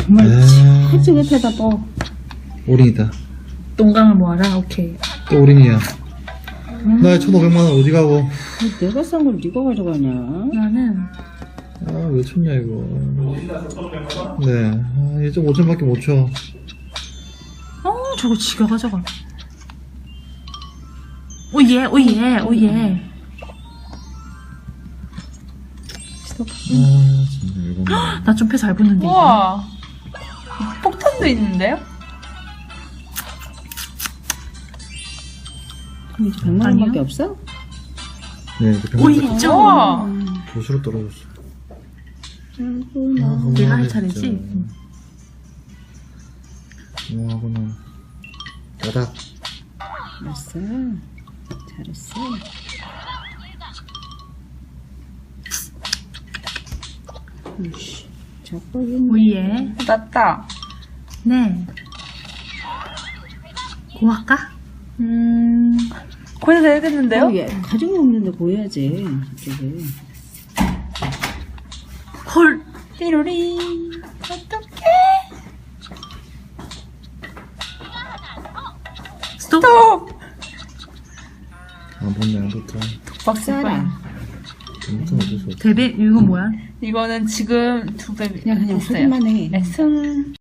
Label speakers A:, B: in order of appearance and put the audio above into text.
A: 정말 하지 못해다 뭐.
B: 올인이다.
C: 똥강을 모아라. 오케이.
B: 또 올인이야. 나의 1,500만원 어디 가고.
A: 내가 싼 걸 네가 가져가냐?
C: 나는
B: 아, 왜 쳤냐, 이거. 네. 아, 1.5점밖에 못 쳐.
C: 저거 지가 가져가. 오예 오예 오예.
A: 스톱.
B: 아, 진짜 이거는.
C: 나 좀 패 잘 붙는데. 이거.
D: 우와. 폭탄도 있는데요?
A: 그럼 이제 100만
C: 아니요.
A: 원밖에 없어?
B: 네, 이거
C: 오예
B: 병원
C: 있죠.
D: 우와.
B: 도수로 떨어졌어.
A: 아이고,
C: 내가 할 차례지?
B: 뭐하구나. 따닥.
A: 알았어. 잘했어. 으이씨, 자뻑이네.
C: 오예.
D: 났다.
C: 네. 고할까?
D: 거의 다 되겠는데요?
A: 어, 얘 가정이 없는데 보여야지. 저쪽에.
C: 헐.
D: 띠로리. 어떡해.
C: 스톱.
B: 안 붙네, 안 붙어.
D: 박스빨.
B: 아무튼 어쩔 수 없어.
C: 데뷔 이거 뭐야?
D: 이거는 지금 2배
A: 그냥
D: 했어요.
A: 소리만 해.
D: 네, 승.